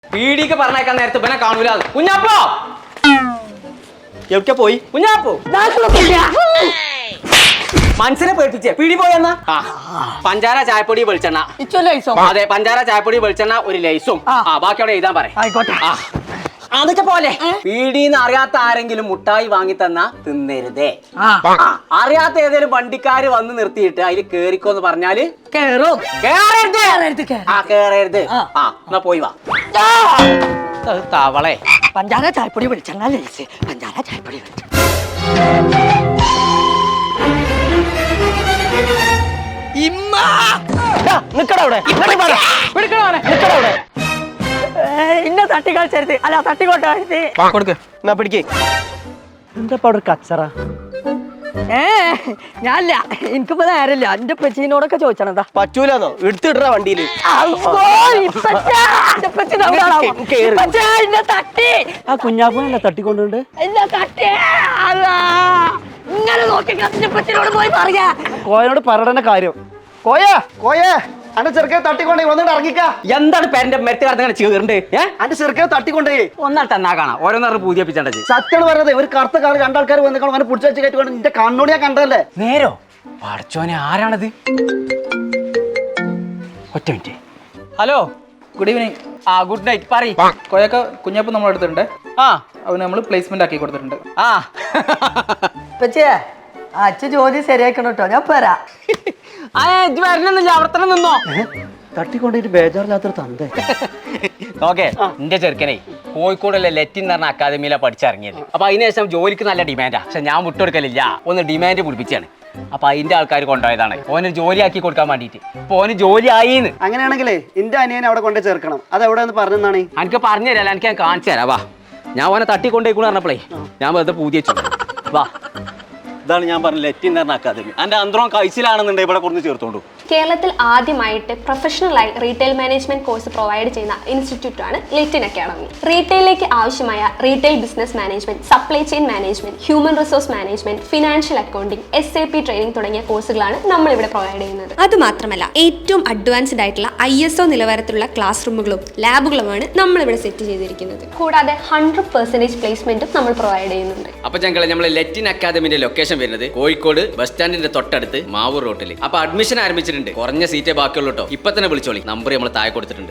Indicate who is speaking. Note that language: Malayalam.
Speaker 1: പീടിക്ക് പറഞ്ഞേക്കാൻ നേരത്തെ ഇവനെ കാണൂല. കുഞ്ഞാപ്പോ എവിടെ പോയി? കുഞ്ഞാപ്പോ മനസ്സിനെ പേടിപ്പിച്ചേ. പീടി പോയെന്നാ പഞ്ചാര ചായപ്പൊടി വെളിച്ചെണ്ണ. അതെ, പഞ്ചാര ചായപ്പൊടി വെളിച്ചെണ്ണ ഒരു ലൈസും. ബാക്കി അവിടെ എഴുതാൻ പറയാം. അതൊക്കെ പോലെ പീടിന്ന് അറിയാത്ത ആരെങ്കിലും മുട്ടായി വാങ്ങി തന്നാ തിന്നരുതേ. അറിയാത്ത ഏതെങ്കിലും വണ്ടിക്കാര് വന്ന് നിർത്തിയിട്ട് അതിൽ കേറിക്കോന്ന് പറഞ്ഞാല് കേറരുത്. എന്നാ പോയി വാ. തവളെ
Speaker 2: പഞ്ചാര ചായപ്പൊടി വെളിച്ചെണ്ണ ലൈസ്. പഞ്ചാര ചായപ്പൊടി ഇന്ന തട്ടി കളിച്ചരുത്. അല്ല തട്ടിക്കൊണ്ടരുത്.
Speaker 1: കൊടുക്ക്. എന്നാ പിടിക്ക്.
Speaker 2: എന്താ അവിടെ കച്ചറ? ഞാനില്ല, എനിക്കിപ്പോ നേരമില്ല. എന്റെ പെച്ചിനോടൊക്കെ ചോദിച്ചാണെന്താ
Speaker 1: പറ്റൂലെന്നോ? എടുത്തിട വണ്ടിയില്.
Speaker 2: ആ കുഞ്ഞാപ്പനല്ല തട്ടിക്കൊണ്ടുണ്ട്. ഇങ്ങനെ നോക്കി പെച്ചിനോട് പോയി പറയാ.
Speaker 3: കോയനോട് പറയണ കാര്യം. കോയേ അന്റെ ചെറുക്കനെ തട്ടിക്കൊണ്ടേ വന്നിട്ട് ഇറങ്ങിക്ക.
Speaker 1: എന്താണ് പേരന്റെ മെറ്റ് കടന്ന് ചേർണ്ട്?
Speaker 3: അന്റെ ചെറുക്കനെ തട്ടിക്കൊണ്ടേ
Speaker 1: ഒന്നാൾ തന്നാ കാണാം. ഓരോന്നറിഞ്ഞ് പൂജിപ്പിച്ചത്
Speaker 3: സത്യാണ് പറയുന്നത്. ഒരു കറുത്ത കാറ് രണ്ടാൾക്കാർ വന്നിക്കണം അവനെ പിടിച്ചു വെച്ച് കയറ്റി നിന്റെ കണ്ണോട് ഞാൻ കണ്ടല്ലേ.
Speaker 1: നേരോ പഠിച്ചോനെ ആരാണത്? ഒറ്റ minute. Hello,
Speaker 4: good evening.
Speaker 1: Good night. പറയ്.
Speaker 4: കോയൊക്കെ കുഞ്ഞപ്പം നമ്മൾ എടുത്തിട്ടുണ്ട്.
Speaker 1: ആ
Speaker 4: അവന് നമ്മൾ പ്ലേസ്മെന്റ് ആക്കി കൊടുത്തിട്ടുണ്ട്.
Speaker 1: ആ
Speaker 2: പെച്ചേ അച്ഛൻ ജോലി ശരിയാക്കണം കേട്ടോ. ഞാൻ പോരാ.
Speaker 1: വരണമെന്നില്ല, അവിടെ തന്നെ നിന്നോ.
Speaker 3: തട്ടിക്കൊണ്ടിട്ട് ബേജാറില്ലാത്തൊരു തന്തേ.
Speaker 1: ഓക്കെ, എന്റെ ചെറുക്കനെ കോഴിക്കോടുള്ള ലെറ്റിൻ എന്ന് പറഞ്ഞ അക്കാദമിയിലാണ് പഠിച്ചിറങ്ങിയത്. അപ്പൊ അതിനുശേഷം ജോലിക്ക് നല്ല ഡിമാൻഡാ. പക്ഷെ ഞാൻ വിട്ടുകൊടുക്കലില്ല. ഒന്ന് ഡിമാൻഡ് പിടിപ്പിച്ചാണ്. അപ്പൊ അതിന്റെ ആൾക്കാർ കൊണ്ടുപോയതാണ് ഓന് ജോലി ആക്കി കൊടുക്കാൻ വേണ്ടിട്ട്. അപ്പൊ ഓന് ജോലി ആയിന്ന്.
Speaker 3: അങ്ങനെയാണെങ്കിലേ എന്റെ അനിയനെ അവിടെ കൊണ്ടേ ചേർക്കണം. അത് എവിടെ എന്ന് പറഞ്ഞാണ്
Speaker 1: എനിക്ക് പറഞ്ഞു തരാം. എനിക്ക് ഞാൻ കാണിച്ചു തരാം. വാ, ഞാൻ ഓനെ തട്ടിക്കൊണ്ടേക്കൂടെ പറഞ്ഞപ്പോഴേ ഞാൻ വെറുതെ പൂജ വെച്ചു. വാ, ഇതാണ് ഞാൻ പറഞ്ഞ ലെറ്റിൻ എന്ന് പറഞ്ഞ അക്കാദമി. എന്റെ അന്തരം കഴിച്ചിലാണെന്നുണ്ടെങ്കിൽ ഇവിടെ കൊണ്ട് ചേർത്തോണ്ടു.
Speaker 5: കേരളത്തിൽ ആദ്യമായിട്ട് പ്രൊഫഷണലായി റീറ്റെയിൽ മാനേജ്മെന്റ് കോഴ്സ് പ്രൊവൈഡ് ചെയ്യുന്ന ഇൻസ്റ്റിറ്റ്യൂട്ടാണ് ലെറ്റിൻ അക്കാഡമി. റീറ്റെയിലേക്ക് ആവശ്യമായ retail business management, supply chain management, human resource management, financial accounting, SAP training തുടങ്ങിയ കോഴ്സുകളാണ് നമ്മൾ ഇവിടെ പ്രൊവൈഡ് ചെയ്യുന്നത്. അതുമാത്രമല്ല ഏറ്റവും അഡ്വാൻസ്ഡ് ആയിട്ടുള്ള ISO നിലവാരത്തിലുള്ള ക്ലാസ് റൂമുകളും ലാബുകളുമാണ് നമ്മൾ ഇവിടെ സെറ്റ് ചെയ്തിരിക്കുന്നത്. കൂടാതെ 100% പ്ലേസ്മെന്റും നമ്മൾ പ്രൊവൈഡ് ചെയ്യുന്നുണ്ട്.
Speaker 1: അപ്പൊ ഞങ്ങൾ നമ്മളെ ലെറ്റിൻ അക്കാദമിന്റെ ലൊക്കേഷൻ വരുന്നത് കോഴിക്കോട് ബസ് സ്റ്റാൻഡിന്റെ തൊട്ടടുത്ത് മാവൂർ റോട്ടിൽ. അപ്പൊ അഡ്മിഷൻ ആരംഭിച്ചിട്ടുണ്ട്. കുറഞ്ഞ സീറ്റേ ബാക്കിയുള്ളൂ കേട്ടോ. ഇപ്പൊ തന്നെ വിളിച്ചോളി. നമ്പർ നമ്മൾ താഴെ കൊടുത്തിട്ടുണ്ട്.